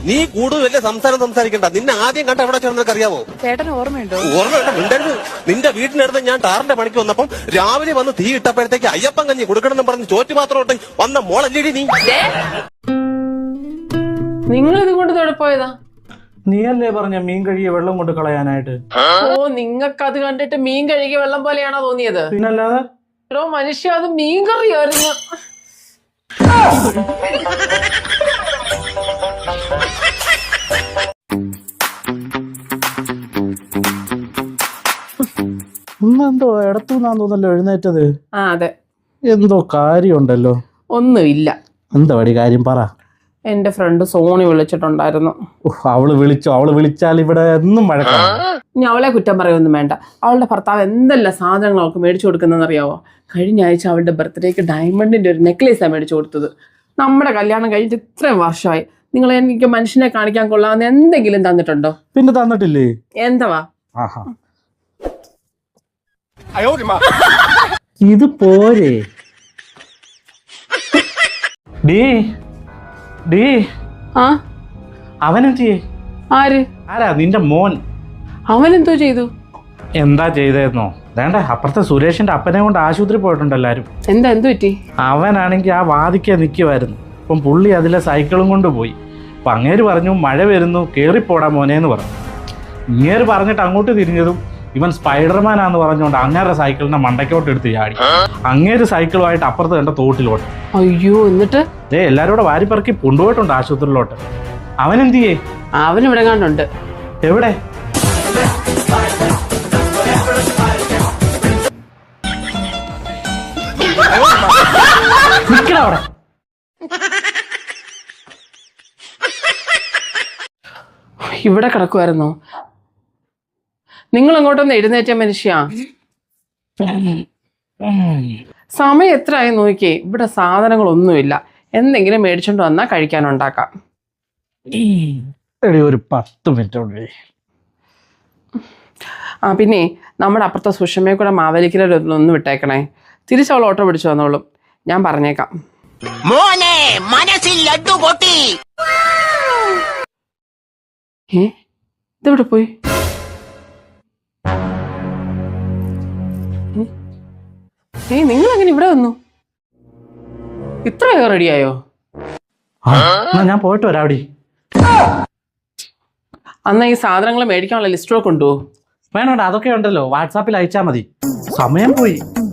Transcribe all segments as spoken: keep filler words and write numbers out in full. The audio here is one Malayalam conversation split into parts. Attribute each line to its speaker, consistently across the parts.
Speaker 1: നീ കൂടുതൽ വലിയ സംസാരം സംസാരിക്കണ്ട. നിന്നെ ആദ്യം കണ്ട എവിടെ ചേർന്നൊക്കെ അറിയാവോ?
Speaker 2: ചേട്ടന് ഓർമ്മയുണ്ടോ?
Speaker 1: ഓർമ്മയുണ്ട്. മിണ്ടരുത്. നിന്റെ വീട്ടിനടുത്ത് ഞാൻ ടാറിന്റെ പണിക്ക് വന്നപ്പം രാവിലെ വന്ന് തീ ഇട്ടപ്പോഴത്തേക്ക് അയ്യപ്പൻ കഞ്ഞി കൊടുക്കണമെന്ന് പറഞ്ഞ് ചോറ്റുപാത്രം ഇട്ട് വന്ന മോളല്ലേടി നീ.
Speaker 2: നിങ്ങൾ ഇത് കൊണ്ട് തൊടെ പോയതാ?
Speaker 3: നീയല്ലേ പറഞ്ഞ മീൻ കഴുകിയ വെള്ളം കൊണ്ട് കളയാനായിട്ട്?
Speaker 2: ഓ, നിങ്ങൾക്ക് അത് കണ്ടിട്ട് മീൻ കഴുകിയ വെള്ളം പോലെയാണോ തോന്നിയത്?
Speaker 3: പിന്നല്ലാതെ.
Speaker 2: എടോ മനുഷ്യ, അത് മീൻ കറിയായിരുന്നു.
Speaker 3: ഇന്നെന്തോ ഇടത്തുനിന്നാന്ന് തോന്നല്ലോ എഴുന്നേറ്റത്.
Speaker 2: ആ അതെ,
Speaker 3: എന്തോ കാര്യമുണ്ടല്ലോ.
Speaker 2: ഒന്നുമില്ല.
Speaker 3: എന്താ വടി കാര്യം പറ.
Speaker 2: എന്റെ ഫ്രണ്ട് സോണി വിളിച്ചിട്ടുണ്ടായിരുന്നു.
Speaker 3: അവള് വിളിച്ചോ? അവള് വിളിച്ചാൽ ഇവിടെ എന്നും വഴക്കാണ്.
Speaker 2: ഇനി അവളെ കുറ്റം പറയൊന്നും വേണ്ട. അവളുടെ ഭർത്താവ് എന്തെല്ലാം സാധനങ്ങൾ അവൾക്ക് മേടിച്ചു കൊടുക്കുന്നതെന്ന് അറിയാവോ? കഴിഞ്ഞ ആഴ്ച അവളുടെ ബർത്ത്ഡേക്ക് ഡയമണ്ടിന്റെ ഒരു നെക്ലേസാണ് മേടിച്ചു കൊടുത്തത്. നമ്മുടെ കല്യാണം കഴിഞ്ഞിട്ട് ഇത്രയും വർഷമായി. നിങ്ങൾ എനിക്ക് മനുഷ്യനെ കാണിക്കാൻ കൊള്ളാവുന്ന എന്തെങ്കിലും തന്നിട്ടുണ്ടോ?
Speaker 3: പിന്നെ തന്നിട്ടില്ലേ?
Speaker 2: എന്താ?
Speaker 3: ഇത് പോരെ. ഡീ ഡീ
Speaker 2: ആ
Speaker 3: അവനെന്തിയേ?
Speaker 2: ആര്?
Speaker 3: ആരാ? നിന്റെ മോൻ.
Speaker 2: അവനെന്തോ ചെയ്തു?
Speaker 3: എന്താ ചെയ്തതെന്നോ? വേണ്ട, അപ്പുറത്തെ സുരേഷിന്റെ അപ്പനെ കൊണ്ട് ആശുപത്രി പോയിട്ടുണ്ട് എല്ലാരും.
Speaker 2: എന്താ എന്ത് പറ്റി?
Speaker 3: അവനാണെങ്കിൽ ആ വാതിക്കെ നിൽക്കുമായിരുന്നു. അപ്പം പുള്ളി അതിലെ സൈക്കിളും കൊണ്ട് പോയി. അപ്പം അങ്ങേര് പറഞ്ഞു മഴ വരുന്നു, കയറിപ്പോടാ മോനേന്ന് പറഞ്ഞു. ഇങ്ങേര് പറഞ്ഞിട്ട് അങ്ങോട്ട് തിരിഞ്ഞതും ഇവൻ സ്പൈഡർമാനാന്ന് പറഞ്ഞുകൊണ്ട് അങ്ങേരുടെ സൈക്കിളിനെ മണ്ടയ്ക്കോട്ട് എടുത്ത് ചാടി. അങ്ങേര് സൈക്കിളുമായിട്ട് അപ്പുറത്ത് കണ്ട തോട്ടിലോട്ട്.
Speaker 2: അയ്യോ, എന്നിട്ട്
Speaker 3: ഏ എല്ലാരും കൂടെ വാരിപ്പറക്കി കൊണ്ടുപോയിട്ടുണ്ട് ആശുപത്രിയിലോട്ട്. അവനെന്തിയേ?
Speaker 2: അവൻ ഇവിടെ കണ്ടുണ്ട്.
Speaker 3: എവിടെ? അവിടെ
Speaker 2: ഇവിടെ കിടക്കുമായിരുന്നോ? നിങ്ങൾ അങ്ങോട്ടൊന്ന് എഴുന്നേറ്റ മനുഷ്യ. സമയം എത്രയായി നോക്കിയേ. ഇവിടെ സാധനങ്ങളൊന്നുമില്ല. എന്തെങ്കിലും മേടിച്ചോണ്ട് വന്നാൽ കഴിക്കാനുണ്ടാക്കാം.
Speaker 3: ഒരു പത്ത് മിനിറ്റ്.
Speaker 2: ആ പിന്നെ നമ്മുടെ അപ്പുറത്തെ സുഷമയെ കൂടെ മാവേലിക്കലൊന്ന് വിട്ടേക്കണേ. തിരിച്ചവൾ ഓട്ടോ പിടിച്ചു വന്നോളും. ഞാൻ പറഞ്ഞേക്കാം. ഏ ഇതെവിടെ പോയി? ഏയ് നിങ്ങൾ അങ്ങനെ ഇവിടെ വന്നു? ഇത്രയൊക്കെ റെഡിയായോ?
Speaker 3: ഞാൻ പോയിട്ട് വരാടി.
Speaker 2: അന്ന് ഈ സാധനങ്ങൾ മേടിക്കാനുള്ള ലിസ്റ്റോ കൊണ്ടുപോകും.
Speaker 3: വേണോടാ, അതൊക്കെ ഉണ്ടല്ലോ, വാട്സാപ്പിൽ അയച്ചാ മതി. സമയം പോയി.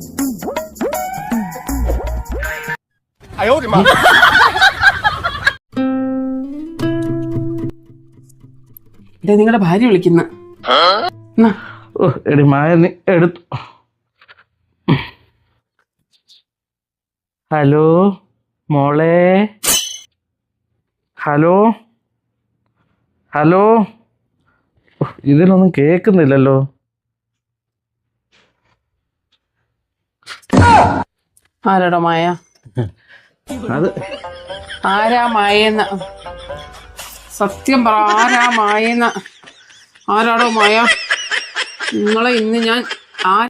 Speaker 2: ഇതേ നിങ്ങളുടെ ഭാര്യ വിളിക്കുന്ന.
Speaker 3: എടി മായ നീ എടുത്തു. ഹലോ മോളെ. Hello hello. ഇതിലൊന്നും കേൾക്കുന്നില്ലല്ലോ.
Speaker 2: ആരാടോ മായ?
Speaker 3: അത്
Speaker 2: ആരാ മായെന്ന? സത്യം പറ, ആരാ മായെന്ന? ആരാടോ മായ? നിങ്ങളെ ഇന്ന് ഞാൻ ആ